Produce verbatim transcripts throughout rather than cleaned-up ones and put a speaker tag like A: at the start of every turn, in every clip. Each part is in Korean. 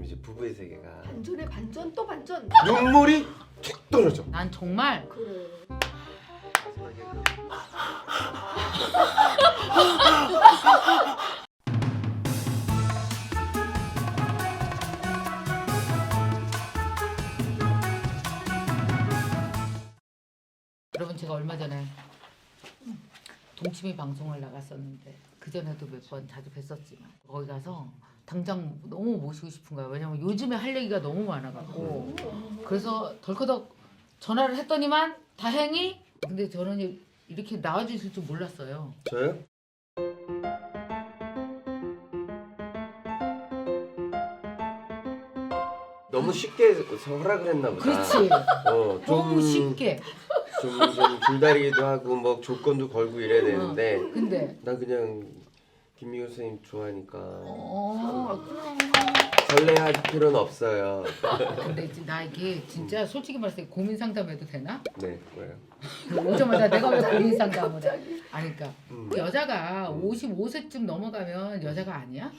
A: 이제 부부의 세계가
B: 반전에 반전 또 반전.
A: 눈물이 툭 떨어져.
C: 난 정말
B: 그래.
C: 여러분 제가 얼마 전에 동치미 방송을 나갔었는데 그 전에도 몇 번 자주 뵀었지만 거기 가서 당장 너무 모시고 싶은 거야. 왜냐면 요즘에 할 얘기가 너무 많아갖고 그래서 덜커덕 전화를 했더니만 다행히 근데 저는 이렇게 나와주실 줄 몰랐어요.
A: 저요? 너무 쉽게 허락을 했나 보다.
C: 그렇지.
A: 어, 좀,
C: 너무 쉽게.
A: 좀, 좀 줄다리기도 하고 뭐 조건도 걸고 이래야 되는데
C: 근데
A: 난 그냥 김미경 선생님 좋아하니까
C: 어
A: 설레할 필요는 없어요.
C: 근데 이제 나 이게 진짜 솔직히 말해서 고민 상담해도 되나?
A: 네, 뭐예요?
C: 오자마자 내가 왜 고민 상담을 해? 아니 그러니까
A: 음.
C: 여자가 오십오 세쯤 넘어가면 여자가 아니야?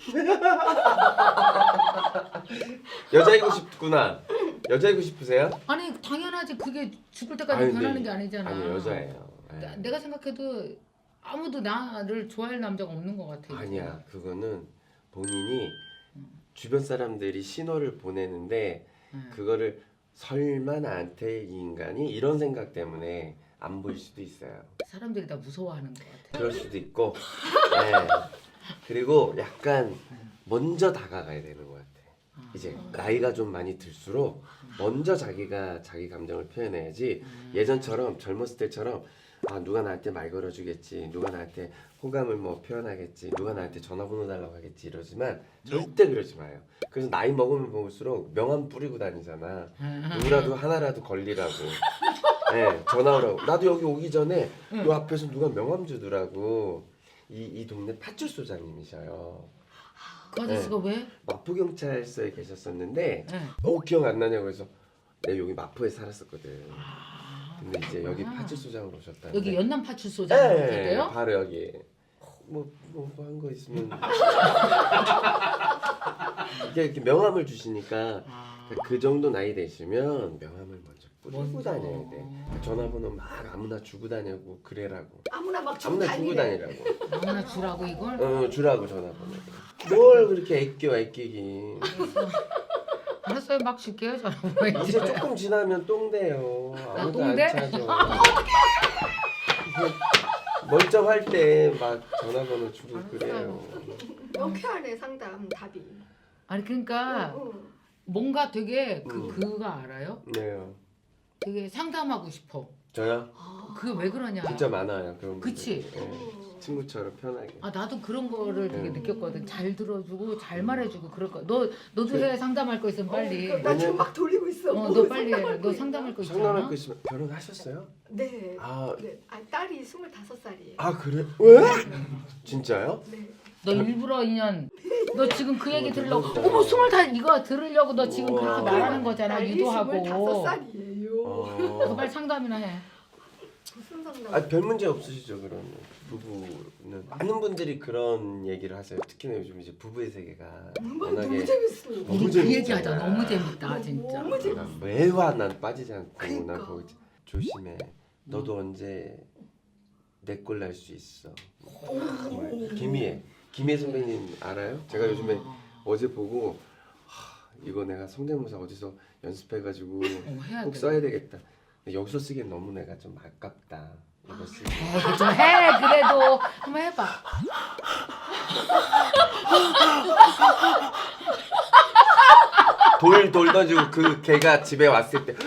A: 여자이고 싶구나. 여자이고 싶으세요?
C: 아니 당연하지. 그게 죽을 때까지
A: 아니,
C: 변하는
A: 네.
C: 게 아니잖아.
A: 아니 여자예요. 네.
C: 나, 내가 생각해도 아무도 나를 좋아할 남자가 없는 것 같아. 이제.
A: 아니야, 그거는 본인이 주변 사람들이 신호를 보내는데
C: 응.
A: 그거를 설마 나한테 이 인간이 이런 생각 때문에 안 보일 수도 있어요.
C: 사람들이 다 무서워하는 것 같아.
A: 그럴 수도 있고, 네. 그리고 약간 먼저 다가가야 되는 것 같아.
C: 아.
A: 이제 나이가 좀 많이 들수록 먼저 자기가 자기 감정을 표현해야지.
C: 음.
A: 예전처럼 젊었을 때처럼 아 누가 나한테 말 걸어주겠지, 누가 나한테 호감을 뭐 표현하겠지, 누가 나한테 전화번호 달라고 하겠지 이러지만 절대 그러지 마요. 그래서 나이 먹으면 먹을수록 명함 뿌리고 다니잖아. 누구라도 하나라도 걸리라고. 네, 전화 오라고. 나도 여기 오기 전에 요 앞에서 누가 명함 주더라고. 이, 이 동네 팥줄소장님이셔요.
C: 그 아저씨가 왜?
A: 마포경찰서에 계셨었는데
C: 네.
A: 어 기억 안 나냐고 해서 내가 여기 마포에 살았었거든.
C: 아,
A: 근데 이제 여기
C: 그렇구나.
A: 팥줄소장으로 오셨다는데
C: 여기 연남 파출소장
A: 네,
C: 계세요?
A: 바로 여기 뭐뭐 한 거 있으면 이게 이렇게 명함을 주시니까
C: 아.
A: 그 정도 나이 되시면 명함을 먼저 뿌리고
C: 먼저.
A: 다녀야 돼. 전화번호 막 아무나 주고 다니고 그래라고.
B: 아무나 막 주고
A: 아무나 주고
B: 다니래.
A: 다니라고.
C: 아무나 주라고 이걸?
A: 어 주라고 전화번호. 뭘 그렇게 애껴 애끼기.
C: 알았어요. 막 줄게요. 전화번호
A: 이제 조금 지나면 똥돼요. 아무도 안
C: 똥돼?
A: 찾아. 멀쩡할 때 막 전화번호 주고 그래요.
B: 명쾌하네 상담 답이.
C: 아니 그러니까
B: 어, 어.
C: 뭔가 되게 그
A: 음.
C: 그거 알아요?
A: 네요.
C: 되게 상담하고 싶어.
A: 저요?
B: 아.
C: 그게 왜 그러냐?
A: 진짜 많아요 그런
C: 그치?
A: 분들. 네. 친구처럼 편하게.
C: 아 나도 그런 거를 되게
A: 음.
C: 느꼈거든. 잘 들어주고 잘 말해주고 그럴 거. 너 너도 해 상담할 거 있으면 빨리.
B: 어, 나 지금 막 돌리고 있어.
C: 어,
B: 뭐
C: 너 빨리 해.
B: 상담할
C: 너
B: 거
C: 상담할 거 있잖아.
A: 상담할 거 있으면 결혼하셨어요?
B: 네.
A: 아,
B: 네. 아 딸이 스물다섯 살이에요.
A: 아 그래? 왜? 진짜요?
B: 네.
C: 너 일부러 인연. 너 지금 그 얘기
A: 어,
C: 들으려고.
A: 대박이다.
C: 어머 스물 다 이거 들으려고 너 지금
A: 우와.
C: 그렇게 말하는 거잖아.
B: 딸이
C: 유도하고.
B: 스물다섯 살이에요.
C: 너
A: 어.
C: 빨리 상담이나 해.
B: 무슨 상담?
A: 아, 별 문제 없으시죠 그러면 부부는 많은 분들이 그런 얘기를 하세요. 특히나 요즘 이제 부부의 세계가
B: 정말
A: 워낙에
B: 너무 재밌어.
A: 너무
C: 우리 그
A: 재밌잖아.
C: 얘기하자. 너무 재밌다 진짜.
B: 너무 재밌어.
A: 난 매화 난 빠지지 않고
B: 그러니까.
A: 난 거기 조심해. 너도 언제 내 꼴 날 수 있어. 정말 김희애 김희애 선배님 알아요? 제가 요즘에 어제 보고 하, 이거 내가 성대모사 어디서 연습해가지고
C: 어, 해야
A: 꼭
C: 돼.
A: 써야 되겠다. 근데 여기서 쓰기엔 너무 내가 좀 아깝다. 이거 쓰기.
C: 에이, 좀 해. 그래도 한번 해봐.
A: 돌, 돌 던지고 그 걔가 집에 왔을 때 네,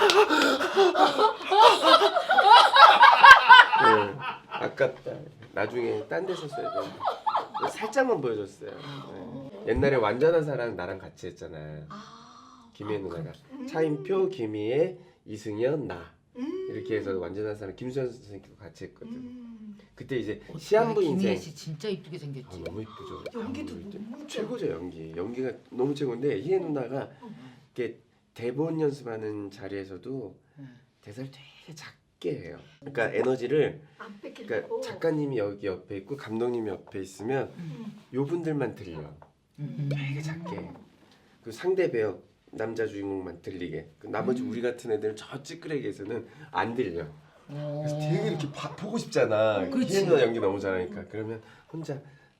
A: 아깝다. 나중에 딴 데서 써야 돼. 살짝만 보여줬어요. 네. 옛날에 완전한 사랑 나랑 같이 했잖아.
B: 아.
A: 김희애 누나가
B: 음.
A: 차인표, 김희애, 이승연, 나
B: 음.
A: 이렇게 해서 완전한 사랑 김수현 선생님도 같이 했거든.
B: 음.
A: 그때 이제 시한부
C: 김희애
A: 인생
C: 씨 진짜 이쁘게
A: 아,
C: 생겼지.
A: 너무 이쁘죠.
B: 연기도
A: 아무래도.
B: 너무
A: 최고죠 연기. 연기가 너무 최고인데 희애 누나가
B: 어.
A: 이렇게 대본 연습하는 자리에서도
C: 응.
A: 대사를 되게 작게 해요. 그러니까 에너지를
B: 안 뺏기려고.
A: 그러니까 작가님이 여기 옆에 있고 감독님이 옆에 있으면
B: 음.
A: 요 분들만 들려.
C: 음.
A: 되게 작게. 그 상대 배역 남자 주인공만 들리게. 그 나머지
C: 음.
A: 우리 같은 애들은 저 찌끄레기에서는 안 들려.
C: 어.
A: 그래서 되게 이렇게 봐, 보고 싶잖아.
C: 그렇지.
A: 희애 연기 너무 잘하니까. 그러면 혼자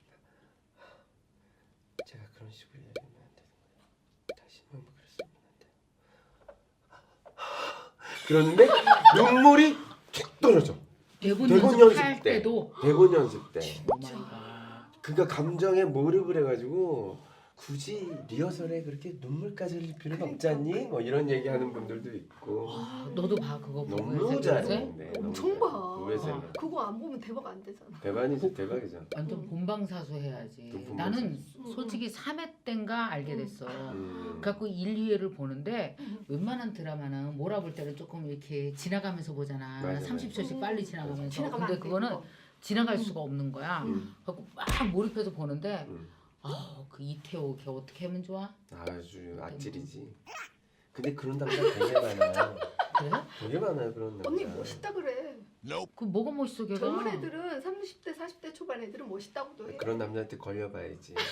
A: 제가 그런 식으로 얘기하면 안 되는 거예요. 다시 한번 그랬으면 안 돼요. 그러는데 눈물이 툭 떨어져.
C: 대본,
A: 대본
C: 연습할
A: 연습 때.
C: 때도
A: 대본 연습 때.
C: 오마이갓.
A: 그가 감정에 몰입을 해가지고 굳이 리허설에 그렇게 눈물까지 흘릴 필요는 없지 않니? 뭐 이런 얘기하는 분들도 있고.
C: 아, 너도 봐 그거 보고
A: 너무
C: 요새
A: 잘했는데.
B: 엄청 봐.
A: 우회생.
B: 그거 안 보면 대박 안 되잖아.
A: 대박이지 대박이죠.
C: 완전
B: 음.
C: 본방사수 해야지.
A: 또 본방사수.
C: 나는
B: 음.
C: 솔직히 삼 회 땐가 알게 됐어.
A: 음.
C: 갖고 일, 이 회를 보는데
B: 음.
C: 웬만한 드라마는 몰아볼 때는 조금 이렇게 지나가면서 보잖아.
A: 맞아,
C: 삼십 초씩
B: 음.
C: 빨리 지나가면서.
B: 지나가면
C: 근데
B: 안 돼,
C: 그거는
B: 그거.
C: 지나갈
B: 음.
C: 수가 없는 거야.
A: 음.
C: 갖고 막 몰입해서 보는데
A: 음.
C: 아, 그 이태호 걔 어떻게 하면 좋아?
A: 아주 악질이지. 근데 그런 남자 되게 많아요.
C: 그래?
A: 되게 많아요 그런 남자.
B: 언니 멋있다 그래.
C: 그 뭐가 멋있어 걔가?
B: 젊은 애들은 삼십 대 사십 대 초반 애들은 멋있다고도 해.
A: 그런 남자한테 걸려봐야지. 네,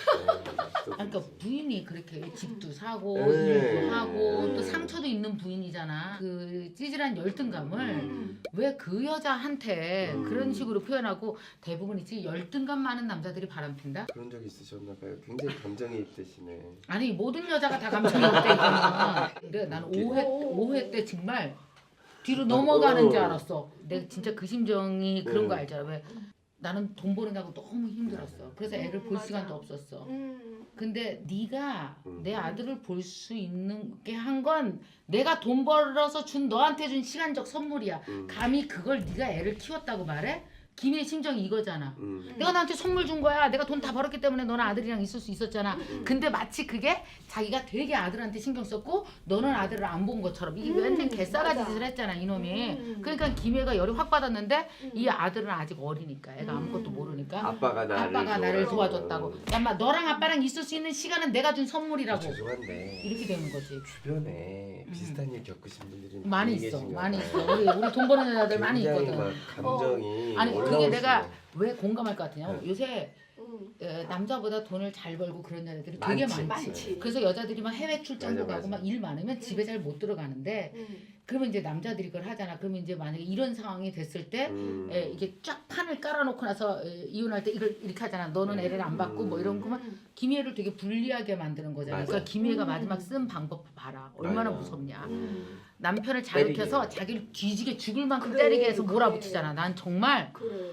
C: 아니, 그러니까 부인이 그렇게 집도 사고
A: 네.
C: 일도 하고
A: 네.
C: 또 상처도 있는 부인이잖아. 그 찌질한 열등감을
B: 음.
C: 왜 그 여자한테
A: 음.
C: 그런 식으로 표현하고 대부분 있지 열등감 많은 남자들이 바람핀다?
A: 그런 적 있으셨나 봐요. 굉장히 감정이 입되시네.
C: 아니 모든 여자가 다 감정이 없대 이거는. 근데 나는 오 회 오 회 때 정말 뒤로 넘어가는 줄 알았어. 내가 진짜 그 심정이 그런
A: 네.
C: 거 알잖아. 왜 나는 돈 버는다고 너무 힘들었어. 그래서 애를 볼
B: 맞아.
C: 시간도 없었어.
B: 음.
C: 근데 네가
A: 음.
C: 내 아들을 볼 수 있는 게 한 건 내가 돈 벌어서 준 너한테 준 시간적 선물이야.
A: 음.
C: 감히 그걸 네가 애를 키웠다고 말해? 김의 심정이 이거잖아.
A: 음.
C: 내가 너한테 선물 준 거야. 내가 돈 다 벌었기 때문에 너는 아들이랑 있을 수 있었잖아.
A: 음.
C: 근데 마치 그게 자기가 되게 아들한테 신경 썼고 너는 아들을 안 본 것처럼 이게
B: 음,
C: 맨날 개싸가지
B: 맞아.
C: 짓을 했잖아 이놈이.
B: 음.
C: 그러니까 김혜가 열이 확 받았는데
B: 음.
C: 이 아들은 아직 어리니까 애가 아무것도
B: 음.
C: 모르니까
A: 아빠가 나를
C: 아빠가 나를
A: 도와줘.
C: 도와줬다고. 야마 너랑 아빠랑 있을 수 있는 시간은 내가 준 선물이라고.
A: 죄송한데
C: 이렇게 되는 거지.
A: 주변에
C: 음.
A: 비슷한 일 겪으신 분들이
C: 많이
A: 많이
C: 있어,
A: 계신가
C: 많이
A: 봐요.
C: 있어. 우리 우리 돈 버는 여자들 많이
A: 굉장히
C: 있거든.
A: 막 감정이
C: 아니 그게
A: 올라오시네.
C: 내가 왜 공감할 것 같으냐면
A: 네.
C: 요새
B: 음.
C: 어, 남자보다 돈을 잘 벌고 그런 여자들이 되게
A: 많지.
C: 많지.
B: 많지.
C: 그래서 여자들이 막 해외 출장도
A: 맞아,
C: 가고
A: 맞아.
C: 막 일 많으면 집에 잘 못 들어가는데
B: 음.
C: 그러면 이제 남자들이 그걸 하잖아. 그러면 이제 만약에 이런 상황이 됐을 때
A: 음.
C: 에, 이게 쫙 판을 깔아놓고 나서 에, 이혼할 때 이걸 이렇게 하잖아. 너는 애를 안 받고 뭐 이런 거면
B: 음.
C: 김희애를 되게 불리하게 만드는 거잖아.
A: 맞아.
C: 그러니까 김희애가
B: 음.
C: 마지막 쓴 방법 봐라. 얼마나
A: 맞아.
C: 무섭냐.
A: 음.
C: 남편을
A: 때리게.
C: 자극해서 자기를 뒤지게 죽을 만큼
B: 그래,
C: 때리게 해서
B: 그래.
C: 몰아붙이잖아. 난 정말
B: 그래.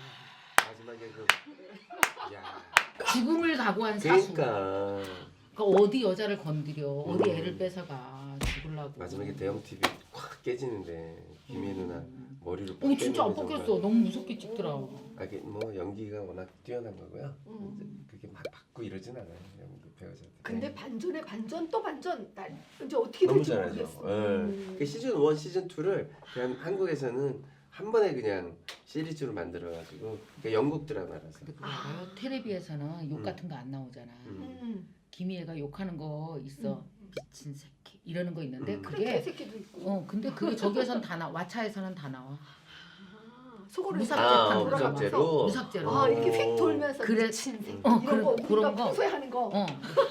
A: 마지막에 그 야.
C: 죽음을 각오한 사수.
A: 그러니까
C: 그러니까 어디 여자를 건드려, 어디
A: 음.
C: 애를 뺏어가 죽으려고.
A: 마지막에 대형 티비 확 깨지는데 김혜 누나 머리를
C: 어 진짜 안
A: 깨는 게
C: 뽑혔어.
A: 정말-
C: 너무 무섭게 찍더라.
A: 아, 이게 뭐 연기가 워낙 뛰어난 거고요.
B: 음.
A: 그게 막 받고 이러진 않아요. 연기 배우자들.
B: 근데 반전에 반전 또 반전. 난 이제 어떻게
A: 너무
B: 될지
A: 잘하죠.
B: 모르겠어.
A: 예.
B: 음.
A: 그 시즌 일, 시즌 이를 그냥 한국에서는 한 번에 그냥 시리즈로 만들어가지고 그러니까 영국 드라마라서.
C: 근데 그거 알아요? 텔레비에서는 욕
A: 음.
C: 같은 거 안 나오잖아.
A: 음.
B: 음.
C: 김희애가 욕하는 거 있어. 미친 새끼 이러는 거 있는데
A: 음.
B: 그래
C: 그게
B: 개새끼도 있고.
C: 어 근데 그게 저기에선 다 나. 왓챠에서는 다 나와.
B: 아, 속으로
C: 무삭제
B: 이렇게
C: 판
A: 아,
B: 돌아가면서.
A: 무삭제로.
C: 무삭제로.
B: 아 이렇게 휙 돌면서
C: 그래.
B: 미친 새끼
C: 어,
B: 이런
C: 그래,
B: 거
C: 그런
B: 우리가
C: 거.
B: 평소에 하는 거.
C: 어.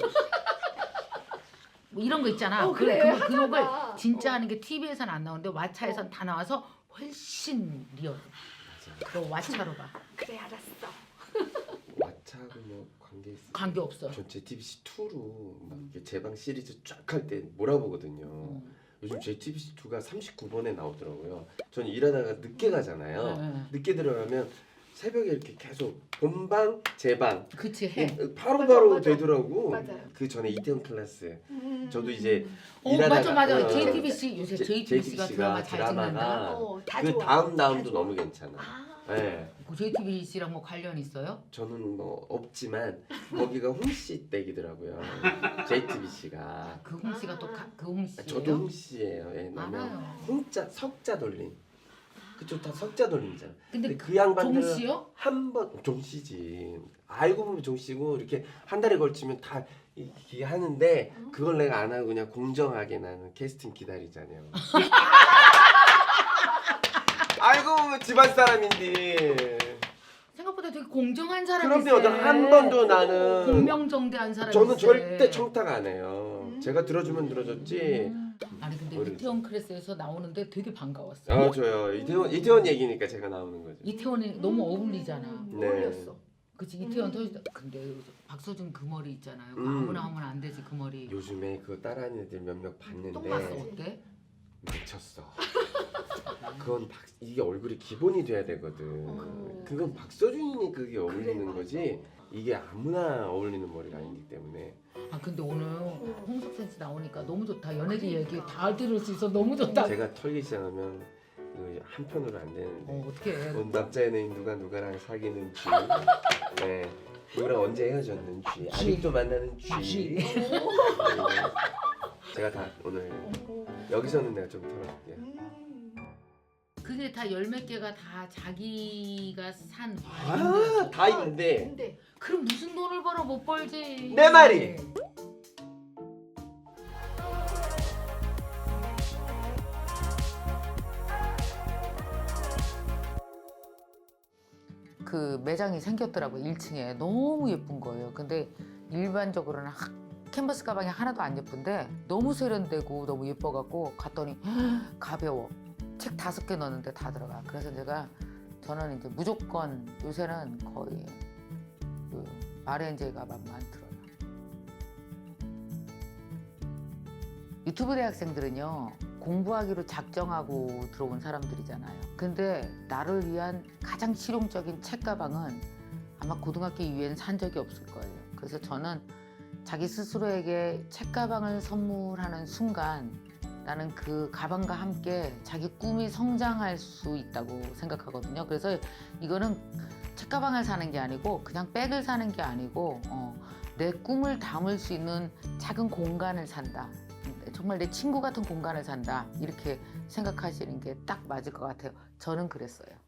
C: 뭐 이런 거 있잖아.
B: 어,
C: 그,
B: 그래,
C: 그, 그
B: 하잖아.
C: 욕을 진짜
B: 어.
C: 하는 게 티비에서는 안 나오는데 왓챠에선
B: 어.
C: 다 나와서 훨씬 리얼. 그거 왓챠로 봐.
B: 그래 알았어.
A: 왓챠하고 뭐 관계 있어?
C: 관계 없어.
A: 전 제이티비씨 이로 막 이렇게 재방 시리즈 쫙 할 때 몰아보거든요.
C: 어.
A: 요즘 제이티비씨 이가 삼십구 번에 나오더라고요. 전 일하다가 늦게 가잖아요.
C: 네, 네.
A: 늦게 들어가면 새벽에 이렇게 계속 본방 재방
C: 그치 해.
A: 바로바로
B: 맞아, 맞아.
A: 되더라고.
B: 맞아요.
A: 그 전에 이태원 클래스.
B: 음.
A: 저도 이제
C: 어
A: 일하다가-
C: 맞아 맞아.
A: 어,
C: 제이티비씨 요새
A: 제-
C: 제이티비씨가 드라마 잘
A: 드라마가
C: 찍는다.
B: 어, 다
A: 그
B: 좋아.
A: 다음
B: 다
A: 다음도
B: 좋아.
A: 너무 괜찮아.
B: 아.
A: 네.
C: 그 제이티비씨랑 뭐 관련 있어요?
A: 저는 뭐 없지만 거기가 홍씨 댁이더라고요. 제이티비씨가.
C: 그 홍씨가 또 그 홍씨예요?
A: 저도 홍씨예요. 예,
C: 많아요.
A: 홍자 석자 돌림. 그쪽 다 석자 돌림이잖아.
C: 근데
A: 근데 그 양반들은
C: 종씨요?
A: 한번 종씨지. 알고 보면 종씨고 이렇게 한 달에 걸치면 다 이렇게 하는데 그걸 내가 안 하고 그냥 공정하게 나는 캐스팅 기다리잖아요. 알고 보면 집안 사람인데.
C: 생각보다 생각보다 되게 공정한 사람이
A: 그럼요.
C: 있어요.
A: 한 번도 나는
C: 공명정대한 사람이
A: 저는
C: 있어요.
A: 절대 청탁 안 해요.
B: 음.
A: 제가 들어주면 들어줬지.
C: 음. 아니 근데
A: 모르겠어요.
C: 이태원 클래스에서 나오는데 되게 반가웠어요.
A: 아 저요. 이태원 이태원 얘기니까 제가 나오는 거죠.
C: 이태원이 너무 어울리잖아.
B: 음,
A: 네.
B: 어울렸어.
C: 그치 이태원
B: 음.
C: 터지다. 근데 박서준 그 머리 있잖아요. 그거
A: 음.
C: 아무나 하면 안 되지 그 머리.
A: 요즘에 그거 따라하는 애들 몇몇 봤는데
C: 똥 봤어 어때?
A: 미쳤어. 그건 박, 이게 얼굴이 기본이 돼야 되거든.
B: 어.
A: 그건 박서준이니 그게 어울리는
B: 그래,
A: 거지. 이게 아무나 어울리는 머리가 아니기 때문에.
C: 아 근데 오늘 홍석천 씨 나오니까 너무 좋다. 연예계 얘기 다 들을 수 있어 너무 좋다.
A: 제가 털기 시작하면 이거 한편으로 안 되는데.
C: 어 어떡해.
A: 온 남자 연예인 누가 누가랑 사귀는지, 네, 누구랑 언제 헤어졌는지, 아직도 만나는 쥐.
C: 쥐.
A: 네. 제가 다 오늘 여기서는 내가 좀 털어볼게요.
B: 음.
C: 그게 다 열 몇 개가 다 자기가 산
A: 아, 다 있는데
B: 근데
C: 그럼 무슨 돈을 벌어 못 벌지.
A: 내 말이!
C: 그 매장이 생겼더라고 일 층에 너무 예쁜 거예요. 근데 일반적으로는 하, 캔버스 가방이 하나도 안 예쁜데 너무 세련되고 너무 예뻐갖고 갔더니 가벼워. 책 다섯 개 넣었는데 다 들어가. 그래서 제가 저는 이제 무조건 요새는 거의 그 아르엔제 가방만 들어요. 유튜브 대학생들은요 공부하기로 작정하고 들어온 사람들이잖아요. 근데 나를 위한 가장 실용적인 책가방은 아마 고등학교 이후에는 산 적이 없을 거예요. 그래서 저는 자기 스스로에게 책가방을 선물하는 순간 나는 그 가방과 함께 자기 꿈이 성장할 수 있다고 생각하거든요. 그래서 이거는 책가방을 사는 게 아니고 그냥 백을 사는 게 아니고 어, 내 꿈을 담을 수 있는 작은 공간을 산다. 정말 내 친구 같은 공간을 산다. 이렇게 생각하시는 게 딱 맞을 것 같아요. 저는 그랬어요.